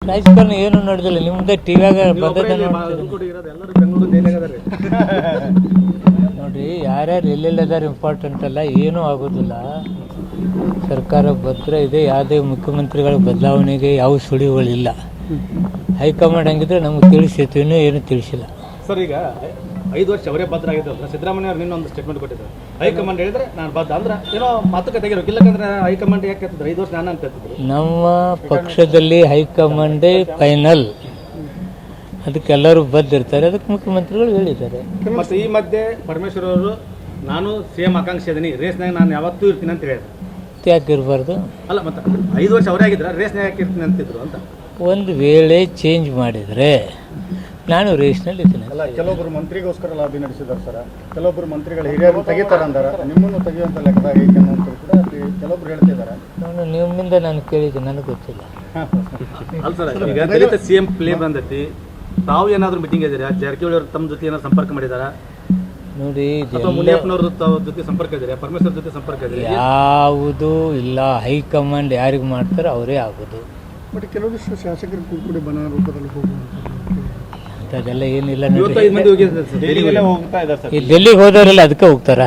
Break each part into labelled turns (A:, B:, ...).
A: ರಾಜಕಾರಣ ಏನು ನಡೆದಿಲ್ಲ. ನಿಮ್ಮದೇ ಟಿವಿಯಾಗ ಬಂದದ ನೋಡ್ರಿ, ಯಾರ್ಯಾರು ಎಲ್ಲೆಲ್ಲದಾರ ಇಂಪಾರ್ಟೆಂಟ್ ಅಲ್ಲ, ಏನೂ ಆಗೋದಿಲ್ಲ. ಸರ್ಕಾರ ಭದ್ರ ಇದೆ. ಯಾವುದೇ ಮುಖ್ಯಮಂತ್ರಿಗಳ ಬದಲಾವಣೆಗೆ ಯಾವ ಸುಳಿವುಗಳಿಲ್ಲ. ಹೈಕಮಾಂಡ್ ಹಂಗಿದ್ರೆ ನಮ್ಗೆ ತಿಳಿಸಿತ್ತು, ಇನ್ನೂ ಏನು ತಿಳಿಸಿಲ್ಲ.
B: ಸರ್, ಈಗ 5 ವರ್ಷ ಅವರೇ ಭದ್ರ ಆಗಿದ್ದಲ್ಲ. ಸಿದ್ದರಾಮಯ್ಯ ಅವರು ನಿನ್ನೊಂದು ಸ್ಟೇಟ್ಮೆಂಟ್ ಕೊಟ್ಟಿದ್ದಾರೆ, ಹೈಕಮಾಂಡ್ ಹೇಳಿದ್ರೆ ನಾನು ಬದ್ಧ ಅಂದ್ರೆ ಏನೋ ಮಾತುಕತೆ ತೆಗಿರೋಕೆ. ಇಲ್ಲಕಂದ್ರೆ ಹೈಕಮಾಂಡ್ ಯಾಕೆ ಹೇಳ್ತಿದ್ರು 5 ವರ್ಷ ನಾನು ಅಂತ ಹೇಳ್ತಿದ್ರು.
A: ನಮ್ಮ ಪಕ್ಷದಲ್ಲಿ ಹೈಕಮಾಂಡೇ ಫೈನಲ್, ಅದಕ್ಕೆಲ್ಲರೂ ಬದ್ದಿರ್ತಾರೆ. ಅದಕ್ಕೆ ಮುಖ್ಯಮಂತ್ರಿಗಳು ಹೇಳಿದ್ದಾರೆ.
B: ಮತ್ತು ಈ ಮಧ್ಯೆ ಪರಮೇಶ್ವರ್ ಅವರು ನಾನು ಸಿಎಂ ಆಕಾಂಕ್ಷೆ ಇದೀನಿ, ರೇಸ್ನಾಗ ನಾನು ಯಾವತ್ತೂ ಇರ್ತೀನಿ ಅಂತ ಹೇಳಿದ್ರು.
A: ಯಾಕೆ ಇರಬಾರ್ದು?
B: ಅಲ್ಲ, ಮತ್ತೆ 5 ವರ್ಷ ಅವರೇ ಆಗಿದ್ರೆ ರೇಸ್ನಾಗ ಯಾಕೆ ಇರ್ತೀನಿ ಅಂತಿದ್ರು ಅಂತ.
A: ಒಂದು ವೇಳೆ ಚೇಂಜ್ ಮಾಡಿದರೆ ನಾನು ರೇಸ್ನಲ್ಲಿ ಇದ್ದೀನಿ.
C: ಅಲ್ಲ, ಕೆಲವೊಬ್ಬರು ಮಂತ್ರಿಗೋಸ್ಕರ ಲಾಬಿ ನಡೆಸಿದ್ದಾರೆ ಸರ್. ಕೆಲವೊಬ್ಬರು ಮಂತ್ರಿಗಳು ಹಿರಿಯರು ತೆಗಿತಾರೆ ಅಂದಾರೆ, ನಿಮ್ಮನ್ನು ತೆಗೆಯುವಂಥ ಲೆಕ್ಕದಾಗ ಐತೆ ಅಂತ ಕೂಡ ಕೆಲವೊಬ್ರು ಹೇಳ್ತಿದ್ದಾರೆ.
A: ನಾನು ನಿಮ್ಮಿಂದ ನಾನು ಕೇಳಿದ್ದೆ, ನನಗೆ ಗೊತ್ತಿಲ್ಲ.
B: ಅಲ್ಲ ಸರ್, ಈಗ ದಲಿತ ಸಿಎಂ ಪ್ಲೇ ಬಂದೈತಿ. ತಾವು ಏನಾದರೂ ಮೀಟಿಂಗ್ ಇದ್ದೀರಾ? ಜಾರಕಿಹೊಳಿ ಅವರು ತಮ್ಮ ಜೊತೆ ಏನಾದ್ರು ಸಂಪರ್ಕ ಮಾಡಿದಾರ?
A: ನೋಡಿ,
B: ಮುನಿಯಪ್ಪನವ್ರ ಜೊತೆ ಸಂಪರ್ಕ ಇದ್ದಾರೆ, ಪರಮೇಶ್ವರ್ ಜೊತೆ ಸಂಪರ್ಕ ಇದ್ದಾರೆ?
A: ಯಾವುದೂ ಇಲ್ಲ. ಹೈಕಮಾಂಡ್ ಯಾರಿಗೆ ಮಾಡ್ತಾರೆ ಅವರೇ ಆಗೋದು.
C: ಬಟ್ ಕೆಲವೊಂದಿಷ್ಟು ಶಾಸಕರು ಕೂಡ ಬನ ರೂಪದಲ್ಲಿ
A: ಅದೆಲ್ಲ ಏನಿಲ್ಲ.
B: ಡೆಲ್ಲಿಗೆ
A: ಡೆಲ್ಲಿಗೆ ಹೋದವರೆಲ್ಲ ಅದಕ್ಕೆ ಹೋಗ್ತಾರ.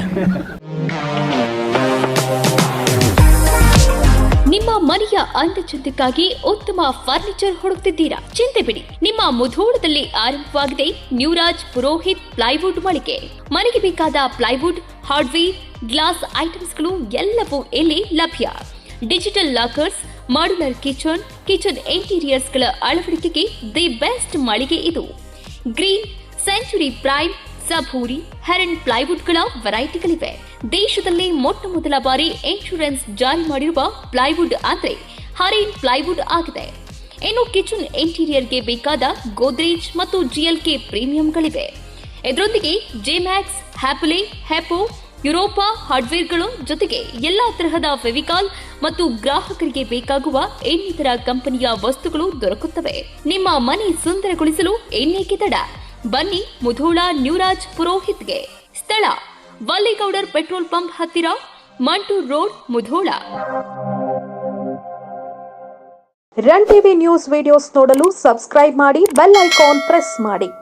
D: ನಿಮ್ಮ ಮನೆಯ ಅಂದಚಂದಕ್ಕಾಗಿ ಉತ್ತಮ ಫರ್ನಿಚರ್ ಹುಡುಕ್ತಿದ್ದೀರಾ? ಚಿಂತೆ ಬಿಡಿ, ನಿಮ್ಮ ಮುಧೋಳದಲ್ಲಿ ಆರಂಭವಾಗಿದೆ ನ್ಯೂರಾಜ್ ಪುರೋಹಿತ್ ಪ್ಲೈವುಡ್ ಮಳಿಗೆ. ಮನೆಗೆ ಬೇಕಾದ ಪ್ಲೈವುಡ್, ಹಾರ್ಡ್ವೇರ್, ಗ್ಲಾಸ್ ಐಟಮ್ಸ್ಗಳು ಎಲ್ಲವೂ ಇಲ್ಲಿ ಲಭ್ಯ. ಡಿಜಿಟಲ್ ಲಾಕರ್ಸ್, ಮಾಡ್ಯುಲರ್ ಕಿಚನ್ ಇಂಟೀರಿಯರ್ಸ್ಗಳ ಅಳವಡಿಕೆಗೆ ದಿ ಬೆಸ್ಟ್ ಮಳಿಗೆ ಇದು. ಗ್ರೀನ್, ಸೆಂಚುರಿ ಪ್ರೈಮ್, ಸಭೂರಿ, ಹೆರನ್ ಪ್ಲೈವುಡ್ಗಳ ವೆರೈಟಿಗಳಿವೆ. ದೇಶದಲ್ಲಿ ಮೊಟ್ಟ ಮೊದಲ ಬಾರಿ ಇನ್ಶೂರೆನ್ಸ್ ಜಾರಿ ಮಾಡಿರುವ ಪ್ಲೈವುಡ್ ಅಂದ್ರೆ ಹರೇನ್ ಪ್ಲೈವುಡ್ ಆಗಿದೆ. ಇನ್ನು ಕಿಚನ್ ಇಂಟೀರಿಯರ್ಗೆ ಬೇಕಾದ ಗೋದ್ರೇಜ್ ಮತ್ತು GLK ಪ್ರೀಮಿಯಂಗಳಿವೆ. ಇದರೊಂದಿಗೆ ಜೆಮ್ಯಾಕ್ಸ್, ಹ್ಯಾಪಲೆ, ಹೆಪೋ, ಯುರೋಪಾ ಹಾರ್ಡ್ವೇರ್ಗಳು ಜೊತೆಗೆ ಎಲ್ಲಾ ತರಹದ ಫೆವಿಕಾಲ್ ಮತ್ತು ಗ್ರಾಹಕರಿಗೆ ಬೇಕಾಗುವ ಇನ್ನಿತರ ಕಂಪನಿಯ ವಸ್ತುಗಳು ದೊರಕುತ್ತವೆ. ನಿಮ್ಮ ಮನೆ ಸುಂದರಗೊಳಿಸಲು ಇನ್ನೇಕೆ ತಡ? ಬನ್ನಿ ಮುಧೋಳ ನ್ಯೂರಾಜ್ ಪುರೋಹಿತ್ಗೆ. ಸ್ಥಳ ವಲ್ಲಿಗೌಡರ್ ಪೆಟ್ರೋಲ್ ಪಂಪ್ ಹತ್ತಿರ, Mantur road, Mudhol.
E: Run TV news videos ನೋಡಲು ಸಬ್ಸ್ಕ್ರೈಬ್ ಮಾಡಿ, ಬೆಲ್ ಐಕಾನ್ ಪ್ರೆಸ್ ಮಾಡಿ.